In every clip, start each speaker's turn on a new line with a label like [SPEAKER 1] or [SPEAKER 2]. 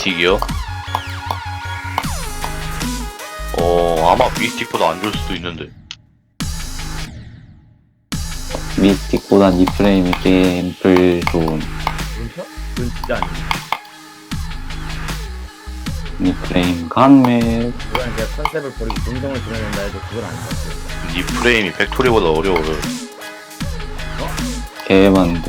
[SPEAKER 1] 미스틱이요? 아마 미스틱보다 안 좋을 수도 있는데.
[SPEAKER 2] 미스틱보단 이 프레임이 게임플 좋은.
[SPEAKER 3] 그건 진짜 아니에요.
[SPEAKER 2] 이 프레임 간매.
[SPEAKER 3] 그건 제가 컨셉을 버리고 동정을 드러낸다 해도 그건 아닌 것 같아요.
[SPEAKER 1] 이 프레임이 팩토리보다 어려워요.
[SPEAKER 2] 개만데.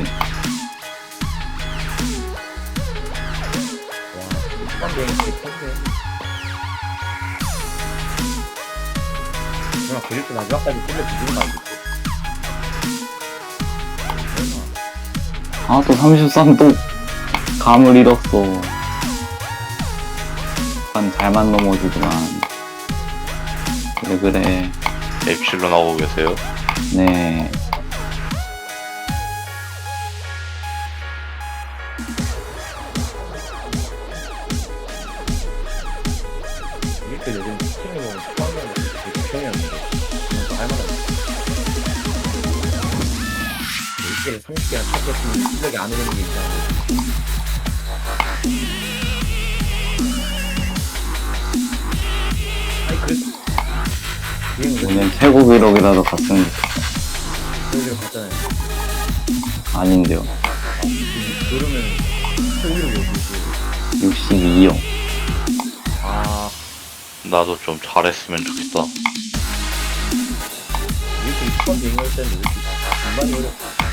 [SPEAKER 3] 와, 초반 비행이 되게 큰데. 그냥 그릴도 마지막까지 끌려 뒤지는 거 아니겠지?
[SPEAKER 2] 아, 또 33, 또 감을 잃었어. 난 잘만 넘어지더만. 그래.
[SPEAKER 1] 앱실로 나오고 계세요?
[SPEAKER 2] 네.
[SPEAKER 3] 이렇게 요즘 스팀에 보면 초반에 되게 구성이었는데 그건 또 할만하네. 1개를 30개나 찾겠으면 실력이 안 오르는 게 있잖아. 아니 그래도
[SPEAKER 2] 오늘 최고 기록이라도 갔으면
[SPEAKER 3] 저기로 갔잖아요.
[SPEAKER 2] 아닌데요.
[SPEAKER 3] 그러면 최고기록이 어디지?
[SPEAKER 2] 62요.
[SPEAKER 3] 아
[SPEAKER 1] 나도 좀 잘했으면 좋겠다.
[SPEAKER 3] 이렇게 초반 비행할 때는 왜 이렇게 중반이 어렵다.